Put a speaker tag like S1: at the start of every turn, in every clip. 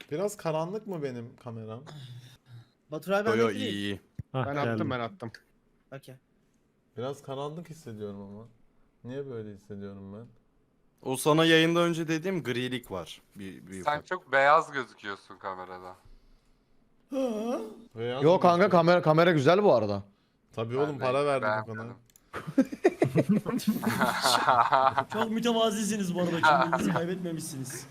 S1: Biraz karanlık mı benim kameram?
S2: Batur abi
S3: Yo
S2: ben
S3: yo
S2: de
S3: iyi iyi.
S4: Hah,
S5: Ben
S4: geldim.
S5: attım ben attım.
S2: Okey.
S1: Biraz karanlık hissediyorum ama. Niye böyle hissediyorum ben?
S3: O sana yayında önce dediğim grilik var. Bir
S6: Sen
S3: ufak.
S6: çok beyaz gözüküyorsun kamerada.
S1: Beyaz
S5: Yo
S1: mı
S5: kanka
S1: işte?
S5: kamera güzel bu arada.
S1: Tabii
S6: Ben
S1: oğlum
S6: de
S1: para verdim o kadar.
S6: beğenmedim.
S2: Çok mütevazisiniz bu arada. Kendinizi kaybetmemişsiniz.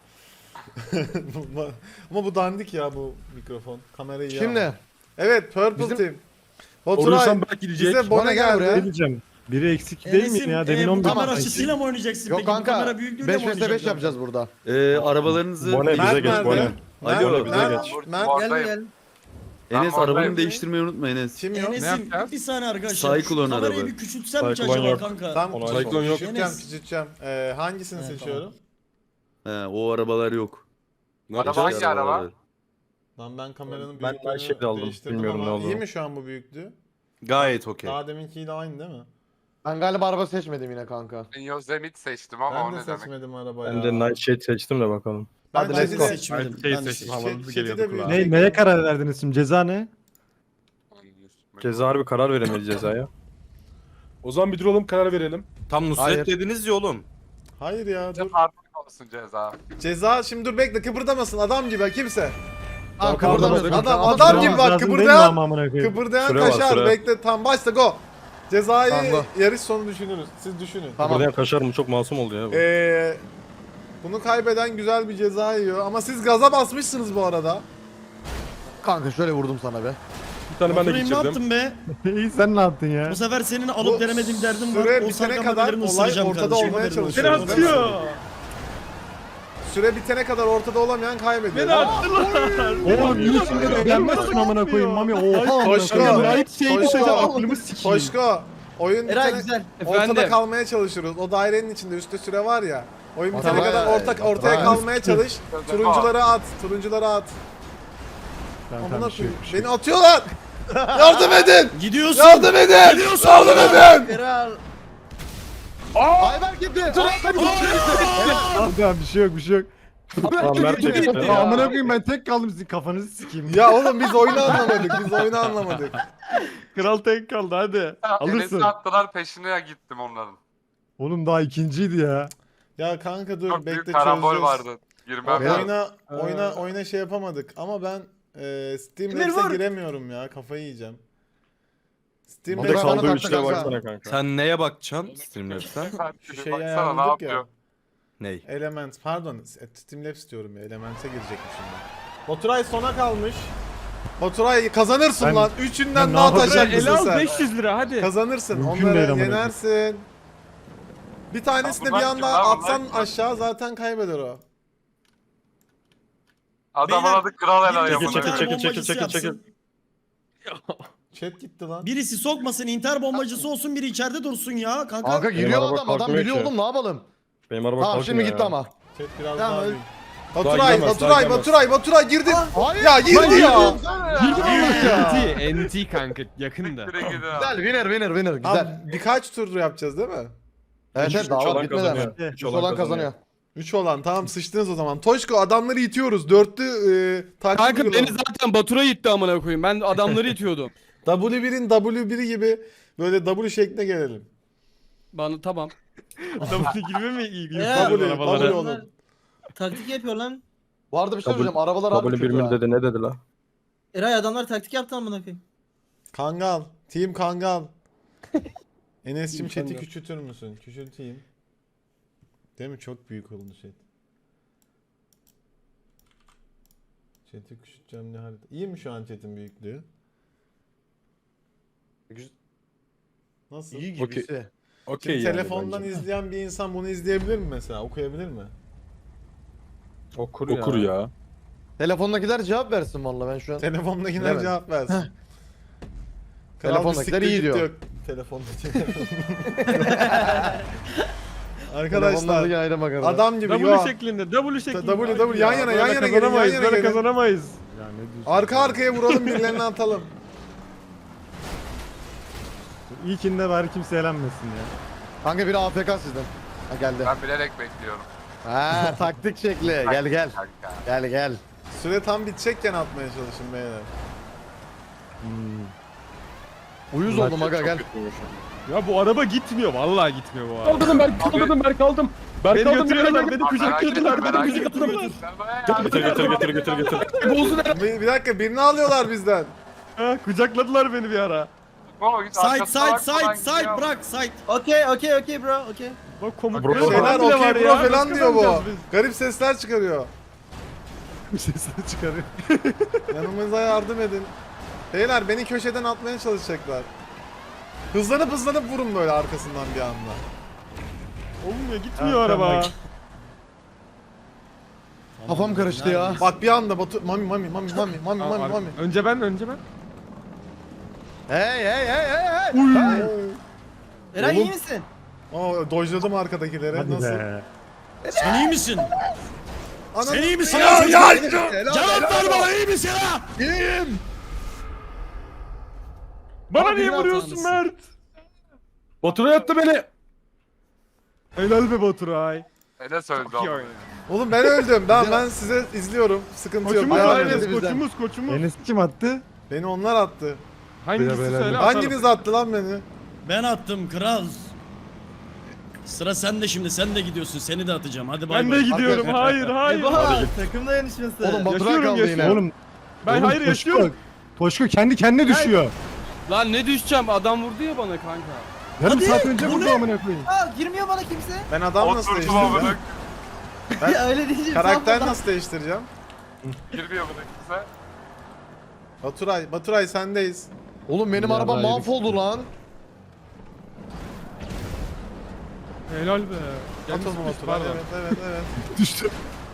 S1: Ama bu dandik ya bu mikrofon. Kamerayı iyi
S5: Şimdi
S1: ama. Evet Purple
S5: Bizim-
S1: Team.
S4: Olursam
S1: Baturay
S4: belki gidecek.
S1: bize bone
S5: Bana gel
S1: geldi.
S5: buraya.
S4: Ne diyeceğim? Biri eksik değil miyim ya? Demin
S2: bu
S4: 11
S2: kamera
S5: Tamam.
S2: açısıyla mı oynayacaksın
S5: yok
S2: peki? Bu
S5: kanka
S2: kamera büyüklüğüyle
S5: 5
S2: mi
S5: vs 5
S2: oynayacaksın?
S5: yapacağız burada.
S7: Arabalarınızı
S4: Bone bize
S1: Mert
S4: geç
S1: nerede?
S4: bone.
S1: Mert,
S7: Alo, bize
S1: Mert,
S7: geç.
S1: Mert,
S2: Gel
S6: Oradayım.
S2: gel.
S7: Enes
S6: Ben oradayım.
S7: arabanı değiştirmeyi unutma Enes.
S1: kim yok?
S2: Enes'im
S5: yapacağız?
S2: bir saniye arkadaşlar.
S7: Cyclone
S2: Şu kamerayı
S7: araba.
S2: bir küçültsem mi
S4: Cyclone
S2: acaba
S4: yok.
S2: kanka?
S1: Tamam,
S4: Ona
S1: küçülteceğim,
S4: yok.
S1: küçülteceğim,
S2: Enes.
S1: küçülteceğim. Hangisini
S2: Evet,
S1: seçiyorum?
S7: O arabalar yok.
S6: Araba hangi araba?
S7: var.
S1: Lan ben kameranın
S4: Ben
S1: büyüklüğünü
S4: şey aldım,
S1: değiştirdim
S4: bilmiyorum
S1: ama
S4: ne olduğunu.
S1: iyi mi şu an bu büyüklüğü?
S3: Gayet okey.
S1: Daha deminkiyle aynı değil mi?
S5: Ben galiba araba seçmedim yine kanka.
S6: Ben Yosemite seçtim ama
S1: Ben
S6: o
S1: de
S6: ne demek?
S1: seçmedim araba ya.
S4: Ben de Nightshade seçtim de bakalım.
S1: Ben
S5: Hadi
S1: chat'i
S5: let's go.
S1: de
S2: Seçmedim.
S4: Şey
S2: Ben de
S4: seçtim,
S2: seçmedim.
S4: havalı
S1: Chat'i
S4: geliyordu
S1: de
S4: kulağa.
S1: büyütecek.
S4: Neye karar verdiniz şimdi? Ceza ne? Ceza harbi karar veremeyiz cezaya.
S8: O zaman bir duralım karar verelim.
S3: Tam Nusret
S5: Hayır.
S3: dediniz ya oğlum.
S1: Hayır ya dur.
S6: Artık olsun ceza.
S1: Ceza şimdi dur bekle kıpırdamasın adam gibi kimse.
S5: Aa
S4: Tamam,
S5: kıpırdamıyorsun.
S1: adam-
S5: Ama
S1: adam
S5: sıra
S1: gibi
S5: var.
S1: bak,
S4: Lazım değil mi
S1: kıpırdayan-
S4: ama amına koyayım?
S1: Kıpırdayan
S4: Süre var,
S1: kaşar
S4: süre.
S1: bekle tam başla go. Cezayı
S5: Tamam, go.
S1: yarış sonu düşünürüz. Siz düşünün.
S5: Tamam.
S4: Buradan kaşar mı? Çok masum oldu ya bu.
S1: Bunu kaybeden güzel bir ceza yiyor ama siz gaza basmışsınız bu arada.
S5: Kanka şöyle vurdum sana be.
S8: Bir tane ben de
S2: Baturay'ım ne
S8: geçirdim.
S2: yaptın be?
S4: İyi sen ne yaptın ya?
S2: Bu sefer senin alıp
S1: Bu
S2: veremediğim derdim var.
S1: süre
S2: O
S1: bitene
S2: sarkan
S1: kadar
S2: bebelerini
S1: olay
S2: ısıracağım
S1: ortada
S2: kardeşim,
S1: olmaya
S2: haberin olsun.
S1: çalışıyor.
S8: Beni atıyor.
S1: Süre bitene kadar ortada olamayan kaybediyor.
S8: Beni attılar.
S4: Oğlum iyi şimdi de beğenmezsin amına koyayım mami. Oha amına
S1: Koşko,
S4: koyayım. Nightshade'i
S1: Koşko.
S4: seçeceğim aklımı sikeyim.
S1: Koşko. Oyun
S2: Eray
S1: bitene,
S2: güzel.
S1: ortada kalmaya çalışıyoruz. O dairenin içinde üstte süre var ya. Oyun bitene
S5: Tamam.
S1: kadar ortaya
S5: Tamam.
S1: kalmaya çalış. Turunculara at. Turunculara at.
S4: Tamam,
S1: Amına
S4: tamam, bir şey yok,
S1: koyayım.
S4: bir şey
S1: Beni atıyorlar. Yardım edin.
S2: Gidiyorsun.
S1: Yardım edin. Yardım edin.
S2: Kral.
S5: Ayber gitti.
S4: yok. Tamam bir şey yok bir şey yok. Tamam Mert de gitti. Amına koyayım ben tek kaldım sizin kafanızı sikeyim.
S1: Ya oğlum biz oyunu anlamadık. Biz oyunu anlamadık.
S4: Kral tek kaldı hadi. Alırsın.
S6: Enes'i attılar peşine gittim onların.
S4: Oğlum daha ikinciydi ya.
S1: Ya kanka dur
S6: Çok büyük
S1: bekle
S6: karambol
S1: çözeceğiz.
S6: vardı. Girmem lazım.
S1: Oyuna şey yapamadık ama ben Steam
S2: Emir
S1: Labs'e
S2: vur.
S1: giremiyorum ya kafayı yiyeceğim. Steam
S5: Motor
S4: Tek
S1: Labs'e
S5: kaldı.
S4: kaldığı
S5: tatlı
S4: üçlüğe
S5: kanka.
S4: baksana kanka.
S3: Sen neye bakacaksın Streamlabs'ten?
S1: şu şeyi
S6: Baksana ne
S1: ayarladık ya.
S6: yapıyor.
S3: Ney?
S1: Element pardon Steam Labs diyorum ya Element'e girecekmişim ben. Baturay sona kalmış. Baturay kazanırsın
S4: Ben-
S1: lan. Üçünden
S4: ben
S1: daha
S4: ne yapacağım?
S1: atacak mısın sen?
S8: 500 lira hadi.
S1: Kazanırsın.
S4: Mümkün
S1: Onları
S4: değil amına
S1: yenersin. Bir tanesini
S6: bunlar
S1: bir
S6: kim
S1: anda
S6: lan?
S1: atsan
S6: Bunlar kim?
S1: aşağı zaten kaybeder o.
S6: Adamın
S2: Beyler,
S6: adı Kral Ela
S2: birisi
S4: Çekil,
S6: yapın.
S4: çekil,
S2: intihar
S4: çekil,
S2: bombacısı
S4: çekil, çekil.
S2: yapsın.
S1: Chat gitti lan.
S2: Birisi sokmasın, intihar bombacısı olsun, biri içeride dursun ya kanka.
S5: Kanka
S4: Benim
S5: giriyor
S4: araba
S5: adam. Adam
S4: kalkmıyor
S5: biliyor
S4: ki.
S5: oğlum ne yapalım?
S4: Benim araba
S5: Tamam
S4: kalkmıyor
S5: şimdi gitti
S4: ya.
S5: ama.
S1: Chat biraz
S2: Tamam,
S1: daha
S2: öyle.
S1: büyük. Baturay,
S8: giremez, daha
S1: Baturay,
S8: giremez.
S1: Baturay, Baturay girdin.
S5: Hayır.
S1: Ya girdi ya.
S8: NT kanka yakında.
S6: Direkt gidin abi.
S5: Güzel winner güzel.
S1: Abi, birkaç tur yapacağız değil mi?
S5: Evet evet daha var bitmedi hemen.
S4: kazanıyor.
S5: Üç olan kazanıyor.
S1: 3 olan tamam sıçtınız o zaman. Toşko adamları itiyoruz. Dörtlü takip
S8: Kanka beni
S1: uygulaması.
S8: zaten Batur'a itti amına koyayım. Ben adamları itiyordum.
S1: W1'in W1'i gibi böyle W şekline gelelim.
S8: Bana tamam. W gibi mi iyi?
S2: Ya,
S1: W olun.
S2: Taktik yapıyor lan.
S5: Bu arada bir şey
S4: Kabul-
S5: söyleyeceğim. Arabalar harbi
S4: W1
S5: kötü
S4: mil
S5: ha.
S4: dedi ne dedi la?
S2: Eray adamlar taktik yaptı amına koyayım.
S1: Kangal. Team Kangal. Enes'cim
S8: Team
S1: chat'i
S8: Kangal.
S1: küçültür müsün? Küçülteyim. Değil mi? Çok büyük oldu chat. Chat'i küçülteceğim ne harita. İyi mi şu an chat'in büyüklüğü? Nasıl?
S5: İyi
S4: Okey.
S5: gibisi.
S8: Okey
S1: Şimdi
S8: yani
S1: telefondan
S8: bence.
S1: izleyen bir insan bunu izleyebilir mi mesela? Okuyabilir mi?
S4: Okur
S8: Okur ya.
S5: Telefondakiler cevap versin valla ben şu an.
S1: Telefondakiler
S5: Bilemedim.
S1: cevap versin. Kral
S5: Telefondakiler
S1: bir siktir
S5: iyi
S1: git
S5: diyor.
S1: Telefondakiler. Arkadaşlar
S5: Telefondaki ayrı bakarım.
S1: adam gibi
S8: W
S1: yo.
S8: şeklinde, W şeklinde.
S1: W yan yana yan yana gelin yan yana
S4: Böyle
S1: gelin.
S4: kazanamayız. Ya ne diyorsun?
S1: Arka arkaya vuralım birilerini atalım.
S4: İlkinde bari kimse elenmesin ya.
S5: Kanka biri AFK sizden. Ha geldi.
S6: Ben bilerek bekliyorum.
S5: Ha taktik şekli. Gel gel.
S6: Kanka.
S5: Gel gel.
S1: Süre tam bitecekken atmaya çalışın beyler.
S5: Uyuz oldum aga gel.
S8: Ya bu araba gitmiyor. Vallahi gitmiyor bu araba.
S4: Kaldırdım ben kaldırdım ben kaldım. Ben
S8: Beni
S4: kaldım
S8: götürüyorlar,
S4: beni
S8: beni kucaklıyorlar, beni kucaklıyorlar.
S1: Bir dakika birini alıyorlar bizden.
S8: Ha, kucakladılar beni bir ara.
S2: Side bırak side.
S9: Okay bro, okay.
S8: Bak komut
S1: Şeyler okey bro falan diyor bu. Garip sesler çıkarıyor.
S4: Sesini çıkarıyor.
S1: Yanımıza yardım edin. Beyler beni köşeden atmaya çalışacaklar. Hızlanıp vurun böyle arkasından bir anda.
S8: Olmuyor, gitmiyor araba.
S5: Kafam karıştı ya.
S1: Bak bir anda Batu mami.
S8: Önce ben.
S5: Hey.
S9: Eray
S1: Oğlum.
S9: iyi misin?
S1: Oo dojladım arkadakileri.
S4: Hadi
S1: Nasıl?
S4: be.
S2: Sen iyi misin?
S1: Ana...
S2: Sen iyi misin?
S1: Ya,
S2: Cevap ver bana, iyi misin ha?
S8: Bana
S5: Abi
S8: niye
S5: biraz
S8: vuruyorsun
S2: tanrısı.
S8: Mert?
S4: Baturay attı beni.
S8: Helal be Baturay.
S6: Enes öldü
S8: İyi
S6: ama.
S8: oynuyor.
S1: Oğlum ben öldüm. Ben size izliyorum. Sıkıntı yok.
S8: Koçumuz
S1: Devam
S8: var
S1: edin.
S8: Enes,
S5: bizden.
S8: koçumuz.
S4: Enes kim attı?
S1: Beni onlar attı.
S8: Hangisi
S4: Beyler,
S8: söyle
S1: Hanginiz attı lan beni?
S2: Ben attım kral. Sıra sende şimdi, sen de gidiyorsun, seni de atacağım. Hadi bay
S8: Ben
S2: bay.
S8: de gidiyorum. Hayır.
S9: Takım dayanışması.
S5: Oğlum Baturay
S8: Yaşıyorum,
S5: kaldı yine.
S8: yaşıyorum.
S4: Oğlum.
S8: Ben
S4: oğlum,
S8: hayır
S4: Toşko-
S8: yaşıyorum.
S4: Toşko kendi kendine düşüyor.
S8: Lan ne düşeceğim? Adam vurdu ya bana kanka.
S4: Yarım
S2: Hadi,
S4: saat önce
S2: bu
S4: vurdu
S2: ne?
S4: amına koyayım.
S9: Girmiyor bana kimse.
S1: Ben adam nasıl
S6: Oturdum
S1: değiştireceğim?
S6: amına.
S9: Ya öyle diyeceğim.
S1: Karakter nasıl değiştireceğim?
S6: Girmiyor buna kimse.
S1: Baturay sendeyiz.
S5: Oğlum benim
S4: Ya
S5: araba
S4: vay be.
S5: mahvoldu lan.
S8: Helal be.
S1: At
S8: Canım
S1: onu
S8: sıkıştı,
S1: Baturay.
S8: pardon.
S1: Evet.
S4: Düştü.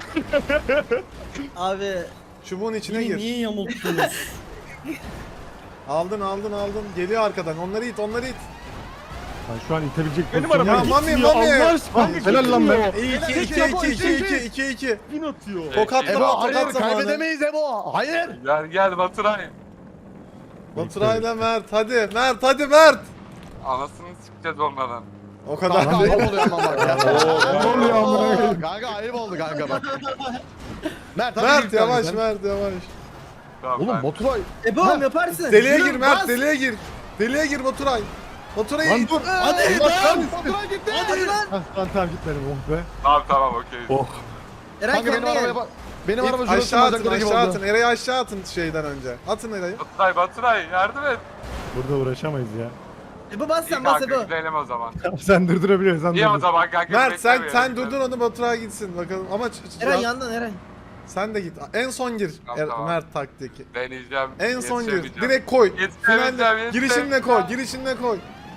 S9: Abi
S1: Çubuğun içine
S2: Niye,
S1: gir.
S2: niye yamulttunuz?
S1: Aldın. Geliyor arkadan. Onları it.
S4: Ben şu an itebilecek
S8: Benim
S4: pozisyonum
S8: arabam
S1: Ya,
S4: yok.
S1: Mami,
S8: gitmiyor.
S1: Mami.
S8: Allah aşkına
S4: Ah, helal lan be.
S1: 2-2.
S8: Bin atıyor.
S1: Tokat
S5: Ebo
S1: tokat
S5: hayır
S1: zamanı.
S5: kaybedemeyiz Ebo. Hayır.
S6: Gel Baturay.
S1: Baturay'la Mert. Hadi Mert.
S6: Anasını sikeceğiz onlardan.
S1: O kadar
S5: Kanka
S1: değil.
S5: ayıp oluyor ama bak ya.
S4: Ne oluyor amına koyayım?
S5: Kanka ayıp oldu kanka bak. Mert hadi
S1: Mert
S5: gir kanka
S1: yavaş
S5: sen.
S1: Mert.
S6: Tamam,
S5: Oğlum
S6: ben-
S5: Baturay.
S9: Ebom yaparsın.
S1: Deliğe
S9: Yürü,
S1: gir Mert.
S9: bas.
S1: Deliğe gir Baturay. Baturay'ı
S4: Lan
S1: it.
S4: dur.
S2: Hadi lan!
S5: Baturay gitti.
S9: Hadi lan.
S4: Tamam gitmedim oh be.
S6: Tamam okey.
S9: Eray
S5: Kanka benim
S9: kendine gel.
S5: arabaya bak. Benim
S1: İt,
S5: araba şurası
S1: aşağı atın
S5: bacakları gibi
S1: aşağı
S5: oldu.
S1: atın. Eray'ı aşağı atın şeyden önce. Atın Eray'ı.
S6: Baturay yardım et.
S4: Burada uğraşamayız ya.
S9: Ebo bas
S6: İyi
S9: sen bas
S6: kanka
S9: Ebo.
S6: gidelim o zaman.
S4: Sen durdurabiliyorsan
S6: İyi o
S4: durdur.
S6: zaman kanka.
S1: Mert sen
S6: beklemeyelim.
S1: durdur onu Baturay gitsin bakalım. Ama
S9: Eray yandan Eray.
S1: sen de git. En son gir.
S6: Tamam.
S1: Mert taktik.
S6: Deneyeceğim.
S1: En son gir.
S6: yetişemeyeceğim.
S1: Direkt koy.
S6: Yetişemeyeceğim,
S1: Finalde girişinle koy. Girişinle koy.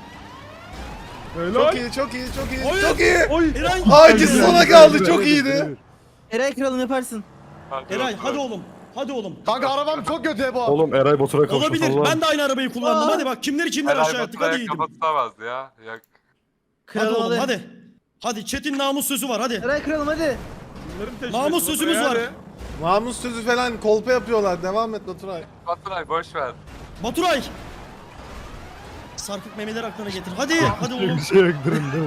S1: Çok iyi.
S2: Oy.
S1: Çok iyi.
S8: Oy.
S2: Eray!
S1: Aa ikisi sona kaldı. Çok iyiydi.
S9: Eray kralım yaparsın.
S2: Eray hadi oğlum.
S5: Kanka arabam çok kötü Ebo.
S4: Oğlum Eray Batur'a kavuştu.
S2: Olabilir. Ben de aynı arabayı kullandım. Hadi bak kimleri
S6: Helal
S2: aşağı attık. Hadi
S6: Baturay'a
S2: iyiydim.
S6: kapatamazdı ya. Yok.
S2: Hadi
S9: Kralım
S2: oğlum
S9: hadi.
S2: hadi. Hadi Çetin namus sözü var hadi.
S9: Eray kralım hadi.
S2: Namus sözümüz var.
S1: Namus sözü falan kolpa yapıyorlar. Devam et Baturay.
S6: Baturay boş ver.
S2: Baturay. Sarkık memeleri aklına getir. Hadi oğlum.
S4: Bir şey yok durun.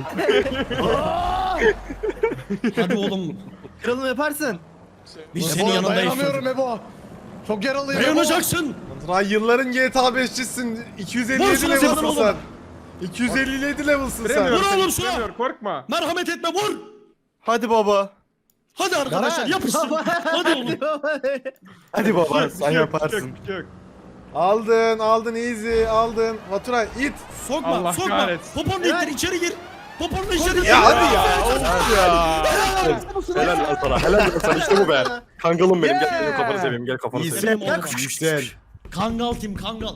S2: Hadi oğlum.
S9: Kralım yaparsın.
S2: Biz
S5: Ebo
S2: senin yanındayız.
S5: dayanamıyorum Ebo. Çok yaralıyım Ebo.
S2: Dayanacaksın.
S1: Baturay yılların GTA 5'cisin. 257
S2: Vursun sen
S1: level'sın
S2: oğlum.
S1: sen. 257 level'sın sen.
S2: Vur oğlum şuna.
S8: Korkma.
S2: Merhamet etme vur.
S3: Hadi baba.
S2: Hadi arkadaşlar yapışsın. Hadi oğlum.
S3: Hadi baba sen
S8: Yok,
S3: yaparsın.
S8: yok.
S1: Aldın easy aldın. Baturay it.
S2: Sokma
S8: Allah
S2: sokma.
S8: kahretsin.
S2: Poponu ittir içeri gir. Poponu içeri gir.
S1: Ya hadi ya.
S4: Helal lan sana. Helal lan sana işte bu be. Kangalım benim. Gel kafanı seveyim. Gel kafanı
S2: İyisin.
S4: seveyim.
S2: Oğlum.
S4: Güzel.
S2: Kangal tim kangal.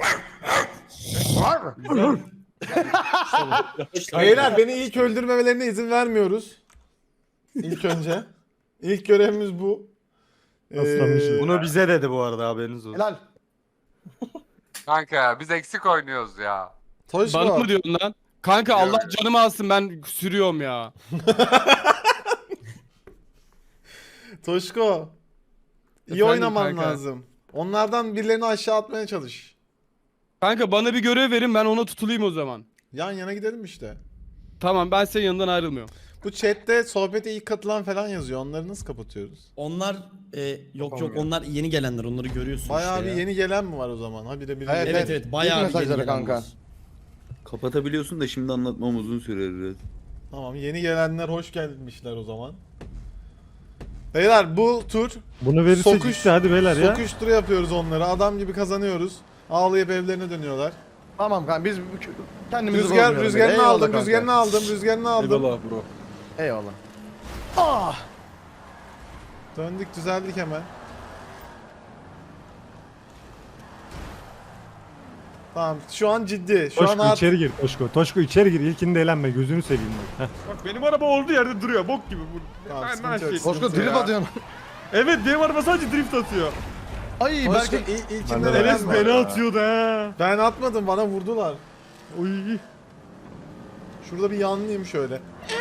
S1: Beyler beni ilk öldürmemelerine izin vermiyoruz. İlk önce. İlk görevimiz bu.
S4: Aslanmışız.
S3: Bunu bize dedi bu arada haberiniz olsun.
S5: Helal.
S6: Kanka ya biz eksik oynuyoruz ya.
S1: Toşko.
S8: Bana mı diyorsun lan? Kanka Allah canımı alsın ben sürüyorum ya.
S1: Toşko. İyi
S8: Efendim
S1: oynaman
S8: kanka?
S1: lazım. Onlardan birilerini aşağı atmaya çalış.
S8: Kanka bana bir görev verin ben ona tutulayım o zaman.
S1: Yan yana gidelim işte.
S8: Tamam ben senin yanından ayrılmıyorum.
S1: Bu chatte sohbete ilk katılan falan yazıyor. Onları nasıl kapatıyoruz?
S2: Onlar yok onlar yeni gelenler, onları görüyorsun
S1: Bayağı
S2: işte
S1: bir
S2: ya.
S1: yeni gelen mi var o zaman? Ha bir de biri
S5: Evet,
S2: Evet evet bayağı
S5: İlk
S2: bir yeni
S5: mesajları
S2: gelen
S5: kanka.
S2: var.
S7: Kapatabiliyorsun da şimdi anlatmam uzun sürer biraz.
S1: Tamam, yeni gelenler hoş gelmişler o zaman. Beyler bu tur
S4: Bunu verirsek
S1: Sokuş-
S4: işte hadi beyler ya.
S1: sokuştura yapıyoruz onları. Adam gibi kazanıyoruz. Ağlayıp evlerine dönüyorlar.
S5: Tamam kanka biz kendimizi
S1: Rüzgar,
S5: bozmayalım.
S1: rüzgarını
S5: Eyvallah
S1: aldım,
S5: kanka.
S1: rüzgarını aldım, rüzgarını aldım.
S8: Eyvallah bro.
S5: Eyvallah. Ah!
S1: Döndük, düzeldik hemen. Tamam, şu an ciddi. Şu an
S4: Toşko içeri gir Toşko. Toşko içeri gir. İlkinde eğlenme gözünü seveyim bak.
S8: Bak benim araba olduğu yerde duruyor bok gibi.
S1: Tamam,
S8: Ben
S1: sıkıntı yok,
S8: şey.
S1: sıkıntı
S5: Koşko
S1: yok.
S5: drip atıyorsun.
S8: Evet benim araba sadece drift atıyor.
S5: Ay
S1: Toşko
S5: belki
S1: ilkinde
S4: Ben de-
S1: neden
S8: Enes
S1: var?
S8: beni atıyordu ha.
S1: Ben atmadım, bana vurdular.
S8: Uy.
S1: Şurada bir yanlıyım şöyle.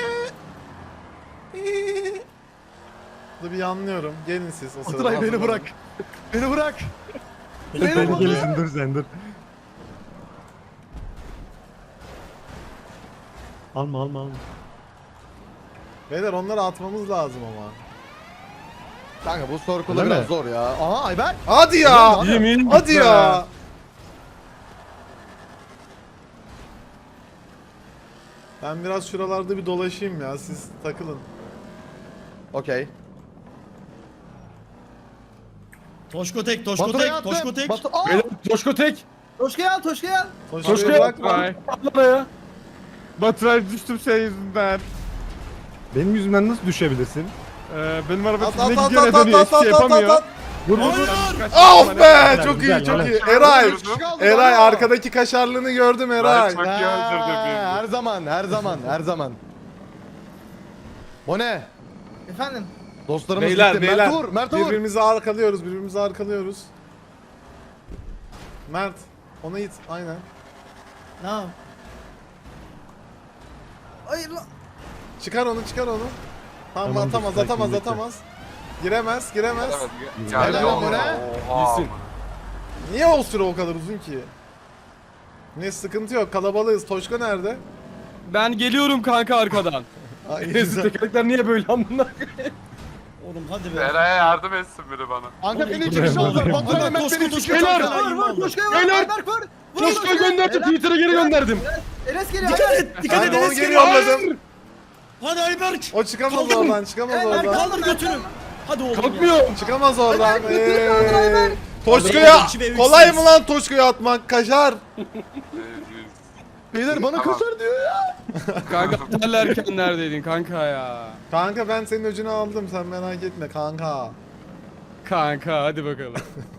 S1: Burada bir yanlıyorum. Gelin siz o sırada.
S5: Baturay beni
S1: hazırlanın.
S5: bırak. Beni bırak.
S4: Beni gelirsin dur sen dur. Alma alma alma.
S1: Beyler onları atmamız lazım ama.
S5: Kanka bu circle'da
S4: Öyle
S5: biraz
S4: mi?
S5: zor ya. Aha Ayber.
S1: Hadi ya!
S8: Yemin
S1: Hadi ya! Ben biraz şuralarda bir dolaşayım ya, siz takılın.
S5: Okey.
S2: Toşko tek, Toşko
S5: Baturay'a
S2: tek,
S5: attım.
S2: Toşko tek.
S5: Aa!
S8: Beyler Toşko tek.
S9: Toşka'yı al Toşka'yı al.
S1: Toşko'yu bırakma.
S8: Baturay. Arabaya. Baturay düştüm senin yüzünden.
S4: Benim yüzümden nasıl düşebilirsin?
S8: Benim araba
S1: At
S8: ne
S1: at at
S8: gidiyor ne
S1: at at
S8: dönüyor
S1: at
S8: hiçbir şey
S1: at at
S8: yapamıyor.
S1: at.
S4: Vur vur vur.
S1: Of be!
S4: Güzel,
S1: Çok
S4: güzel,
S1: iyi, çok
S4: güzel.
S1: iyi. Eray!
S5: Kaldı,
S1: Eray
S5: bravo.
S1: arkadaki kaşarlığını gördüm Eray.
S6: Çok iyi öldürdü bizi.
S5: Her zaman, her zaman, her zaman. O ne?
S9: Efendim.
S5: Dostlarımız
S1: Beyler,
S5: gitti.
S1: beyler.
S5: Mert vur, Mert vur.
S1: Birbirimizi arkalıyoruz, birbirimizi arkalıyoruz. Mert, ona it, aynen.
S9: Ne yap? Hayır lan.
S1: Çıkar onu, çıkar onu. Tamam,
S4: Tamam,
S1: atamaz,
S4: sakin,
S1: atamaz,
S4: bekle.
S1: atamaz. Giremez, giremez.
S6: Evet,
S5: Helal
S6: geldi.
S5: lan bu ne?
S6: Oha.
S8: İyisin.
S1: Niye o süre o kadar uzun ki? Ne sıkıntı yok, kalabalığız. Toşko nerede?
S8: Ben geliyorum kanka arkadan.
S1: Ay,
S8: Enes'in
S1: güzel.
S8: tekerlekler niye böyle amına?
S2: Oğlum hadi be.
S6: Eray'a yardım etsin biri bana.
S5: Kanka beni iki
S4: Buraya
S5: kişi aldılar.
S4: bak.
S5: Baturay
S2: Hadi
S5: Mert
S2: Toşko,
S5: beni
S2: Toşko,
S5: sikiyor.
S8: Beyler!
S2: Toşko,
S9: Vur vur Toşka'yı vur.
S8: Beyler!
S9: Ayberk vur. Vur
S8: Toşko'yu gönderdim Twitter'a geri gönderdim.
S9: Enes geliyor.
S2: Dikkat
S9: Ayberk.
S2: et, dikkat
S1: Ben
S2: et
S1: de onu
S2: Enes
S1: geri
S2: geliyor.
S1: yolladım.
S2: Hadi Ayberk.
S1: O çıkamaz
S2: Kaldır.
S1: oradan, çıkamaz
S9: Ayberk
S1: oradan.
S2: Kaldır götünü. Hadi oğlum ya.
S8: Kalkmıyor.
S1: Çıkamaz oradan.
S9: Ayberk, götürün kaldır Ayberk.
S1: Toşko'ya
S2: İki ve üç
S1: kolay
S2: siz.
S1: mı lan Toşko'ya atmak? Kaşar.
S5: Beyler bana
S6: Tamam.
S5: kaçar diyor ya.
S8: Kanka derlerken neredeydin kanka ya?
S1: Kanka ben senin öcünü aldım, sen merak etme kanka.
S8: Kanka hadi bakalım.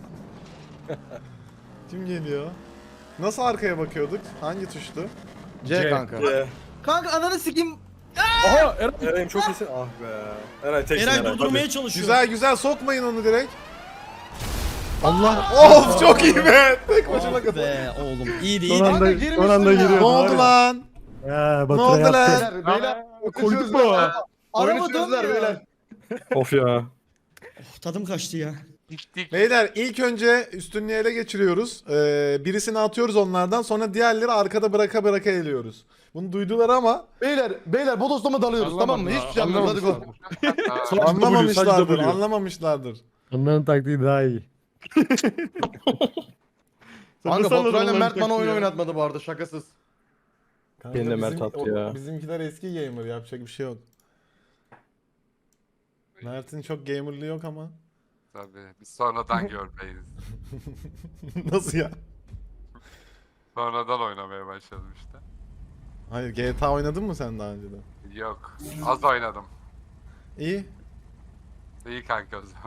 S1: Kim geliyor? Nasıl arkaya bakıyorduk? Hangi tuştu?
S5: C kanka.
S9: Kanka ananı sikeyim.
S8: Aha Eren.
S10: Eray'ım çok iyisin. Ah be. Eray teksin
S2: Eray
S10: Eray.
S2: durdurmaya çalışıyor.
S1: Güzel güzel, sokmayın onu direkt.
S4: Allah.
S1: Of çok iyi be. Tek başına
S2: Ah
S1: kadar.
S2: be oğlum iyiydi
S4: Son
S2: iyiydi.
S4: anda,
S5: girmişsin
S4: son anda
S5: ya.
S4: giriyor.
S1: Ne oldu lan?
S4: Ya
S1: Ne
S4: Baturay
S1: oldu
S4: attı.
S1: lan?
S5: Beyler.
S8: Koyduk mu?
S5: Oyunu
S9: Araba
S5: çözdüler
S9: dönmüyor.
S5: beyler.
S10: Of ya.
S2: Tadım kaçtı ya.
S6: Gittik.
S1: Beyler ilk önce üstünlüğü ele geçiriyoruz. Birisini atıyoruz onlardan, sonra diğerleri arkada bıraka bıraka eliyoruz. Bunu duydular ama
S5: Beyler bu dostuma dalıyoruz tamam mı? Hiçbir şey yapmıyoruz hadi go.
S1: anlamamışlardır, anlamamışlardır.
S4: Onların taktiği daha iyi.
S5: Kanka
S8: salladın
S5: Baturay'la
S8: onların
S5: Mert bana oyun
S8: taktiği ya.
S5: oynatmadı bu arada şakasız.
S1: Kanka
S10: Beni de Mert
S1: bizim-
S10: attı
S1: o-
S10: ya.
S1: Bizimkiler eski gamer, yapacak bir şey yok. Mert'in çok gamerlığı yok ama.
S6: Tabii. Biz sonradan görmeyiz.
S1: Nasıl ya?
S6: Sonradan oynamaya başladım işte.
S1: Hayır, GTA oynadın mı sen daha önceden?
S6: Yok. Az oynadım.
S1: İyi.
S6: İyi kanka o zaman.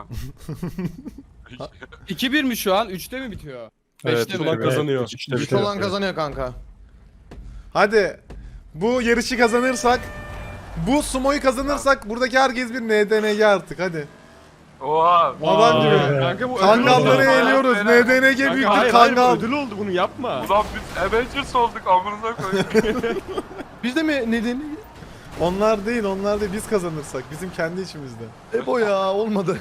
S8: 2-1 mi şu an? 3'te mi bitiyor?
S10: Evet,
S8: 5'te mi?
S10: ulan kazanıyor.
S4: Evet,
S10: İşte
S5: Güç olan kazanıyor kanka.
S1: Hadi. Bu yarışı kazanırsak, bu sumoyu kazanırsak buradaki herkes bir NDNG artık hadi.
S6: Oha.
S1: Adam gibi.
S8: Kanka bu
S1: Kangalları
S6: Kanka,
S1: eliyoruz.
S6: beyler.
S1: NDNG
S8: Kanka,
S1: büyüktür
S8: hayır,
S1: kangal.
S8: ödül oldu bunu yapma.
S6: Ulan biz Avengers olduk amınıza koyayım.
S5: Biz de mi nedeni?
S1: Onlar değil, onlar değil. Biz kazanırsak. Bizim kendi içimizde.
S5: Ebo ya olmadı.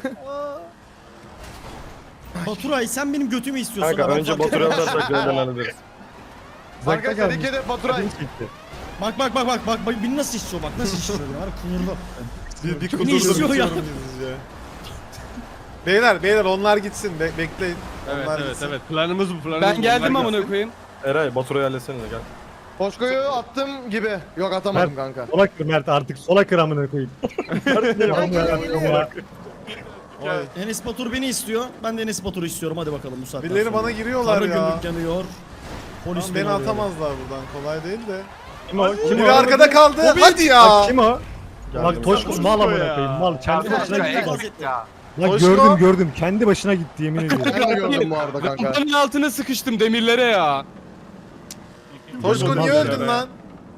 S2: Baturay sen benim götümü istiyorsun.
S10: Kanka
S2: ha, ben
S10: önce
S2: fark
S10: Baturay'ı
S2: etmem.
S10: atarsak neden hallederiz.
S5: Arkadaşlar ilk hedef Baturay.
S4: Çekti.
S2: Bak beni nasıl istiyor bak nasıl istiyor ya. Kıvırdı.
S1: Bir
S2: Ne
S1: kudurdum
S2: istiyor ya?
S1: bitiyorum gizlice. Beyler onlar gitsin bekleyin.
S8: Evet
S1: Onlar
S8: evet
S1: gitsin.
S8: evet. Planımız bu planımız.
S10: Ben geldim
S8: Onlar
S10: amına
S8: gelsin.
S10: koyayım. Eray Baturay'ı halletsene de gel.
S5: Koşkoyu attım gibi. Yok atamadım
S4: Mert,
S5: kanka.
S4: sola kır Mert artık sola kır amına koyayım.
S1: Oy.
S2: Enes Batur beni istiyor. Ben de Enes Batur'u istiyorum. Hadi bakalım bu saatten
S1: Birileri
S2: sonra.
S1: bana giriyorlar
S2: Karı
S1: ya.
S2: gümrük yanıyor. Polis
S1: Tamam, beni
S2: arıyor.
S1: atamazlar buradan kolay değil de.
S4: Kim o? Kim
S1: Biri
S4: o?
S1: arkada kaldı.
S2: Hobbit!
S1: Hadi ya.
S4: Bak kim o?
S10: Geldim.
S4: Bak Toşko mal amına koyayım mal. Kendi
S6: Ya,
S4: başına
S6: ya,
S4: gitti.
S6: eksik ya.
S4: Bak
S1: Toşko.
S4: gördüm kendi başına gitti yemin ediyorum.
S5: Ben de gördüm bu arada kanka.
S8: Rampanın altına sıkıştım demirlere ya.
S1: Toşko niye öldün lan?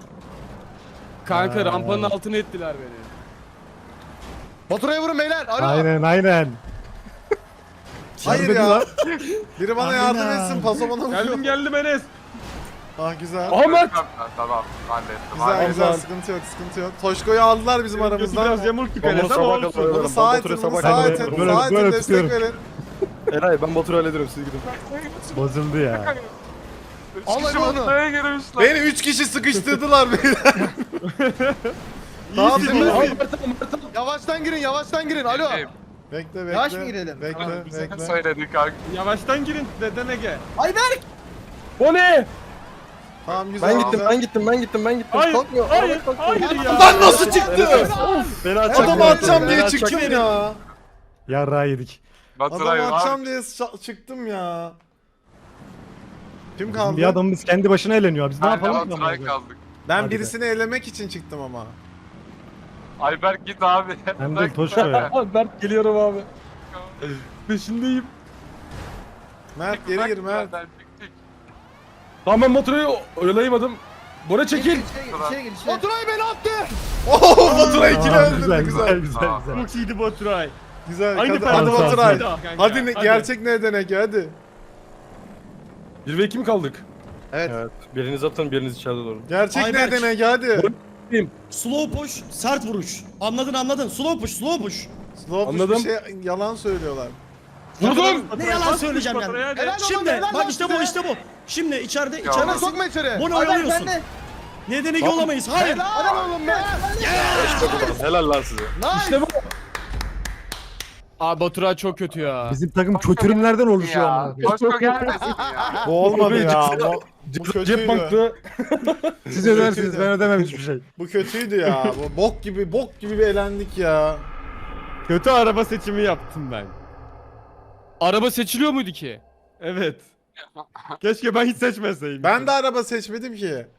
S8: Kanka rampanın altına ettiler beni.
S5: Baturay'a vurun beyler. Alo.
S4: Aynen.
S1: Hayır
S4: Şerbeti
S1: ya.
S4: lan.
S1: Biri bana yardım etsin. Paso bana vuruyor.
S8: Geldim Enes.
S1: Ah güzel.
S8: Ahmet.
S6: Tamam hallettim.
S1: Güzel
S6: hallettim.
S1: güzel sıkıntı yok. Toşko'yu aldılar bizim aramızdan.
S8: yamulttuk
S10: Ben bunu
S8: Enes ama
S10: sabah
S8: olsun.
S10: kadar
S1: Bunu
S10: oynarım.
S1: sağ
S10: Ben
S1: etin,
S10: Baturay'ı
S1: bunu
S10: sabah
S1: sağ
S10: kadar
S1: etin,
S10: oynarım.
S4: Böyle-
S1: sağ etin
S4: böyle
S1: destek
S4: tutuyorum.
S1: verin.
S10: Eray ben Baturay'ı hallederim siz gidin.
S4: Bozuldu ya.
S5: Al hadi onu.
S6: Ortaya girmişler.
S1: Beni 3 kişi sıkıştırdılar beyler. Tamam
S5: İyisin
S1: dur.
S5: lan. Yavaştan girin. Alo.
S1: Bekle.
S9: Yavaş mı girelim?
S1: Bekle.
S6: Söyledik kanka.
S8: Yavaştan girin deden Ege.
S9: Ayberk.
S8: O ne?
S1: Tamam güzel.
S10: Ben gittim
S1: güzel.
S10: ben gittim.
S8: Hayır,
S10: Kalkmıyor.
S8: hayır ya.
S1: Lan nasıl çıktı?
S10: Beni atacak.
S1: Adamı atacağım diye çıktım ya.
S4: Yarrağı yedik.
S6: Baturay
S1: Adamı
S6: var.
S1: atacağım diye çıktım ya. Kim kaldı?
S4: Bir adamımız kendi başına eğleniyor. Biz ne yapalım ki?
S6: Baturay
S4: amına koyayım?
S6: kaldık.
S1: Ben
S4: Hadi
S1: birisini elemek için çıktım ama.
S6: Ayberk git abi.
S4: Hem de Toşko ya.
S10: Berk geliyorum abi.
S8: Peşindeyim.
S1: Mert geri gir Mert.
S10: Tamam ben Baturay'ı oyalayamadım. Bora çekil.
S9: İçeri gir içeri.
S5: Baturay beni attı.
S1: Oo Baturay ikili
S4: Aa,
S1: öldürdü güzel.
S4: güzel.
S8: Çok iyiydi Baturay.
S1: Güzel.
S8: Aynı
S1: Hadi
S8: performans.
S1: Baturay.
S8: Kanka,
S1: Hadi gerçek ne denek hadi.
S10: 1 ve 2 mi kaldık?
S5: Evet.
S10: Evet. Biriniz atın biriniz içeride durun.
S1: Gerçek ne
S2: Ayberk.
S1: denek hadi.
S2: Slow push, sert vuruş. Anladın. Slow push.
S1: Slow push
S10: Anladım.
S1: bir şey yalan söylüyorlar.
S10: Vurdum.
S2: Ne yalan söyleyeceğim yani.
S8: Baturay hadi.
S5: Helal
S2: Şimdi
S5: helal
S2: bak
S5: lan
S2: işte
S5: size.
S2: bu. Şimdi içeride
S5: Bana
S2: içeridesin.
S5: sokma içeri.
S2: Bunu
S9: Ayberk
S2: oyalıyorsun.
S9: bende.
S2: Nedeni olamayız. Hayır.
S5: Helal oğlum be.
S10: Helal lan size.
S5: İşte bu.
S8: Abi Baturay çok kötü ya.
S4: Bizim takım kötürümlerden oluşuyor
S6: Ya.
S4: amına koyayım.
S6: Toşko gelmesin ya.
S1: Bu olmadı ya. Bu
S10: Cep
S1: kötüydü.
S10: banklı.
S4: Siz ödersiniz ben ödemem hiçbir şey.
S1: Bu kötüydü ya. Bu bok gibi bir elendik ya.
S8: Kötü araba seçimi yaptım ben. Araba seçiliyor muydu ki? Evet. Keşke ben hiç seçmeseydim.
S1: Ben de araba seçmedim ki.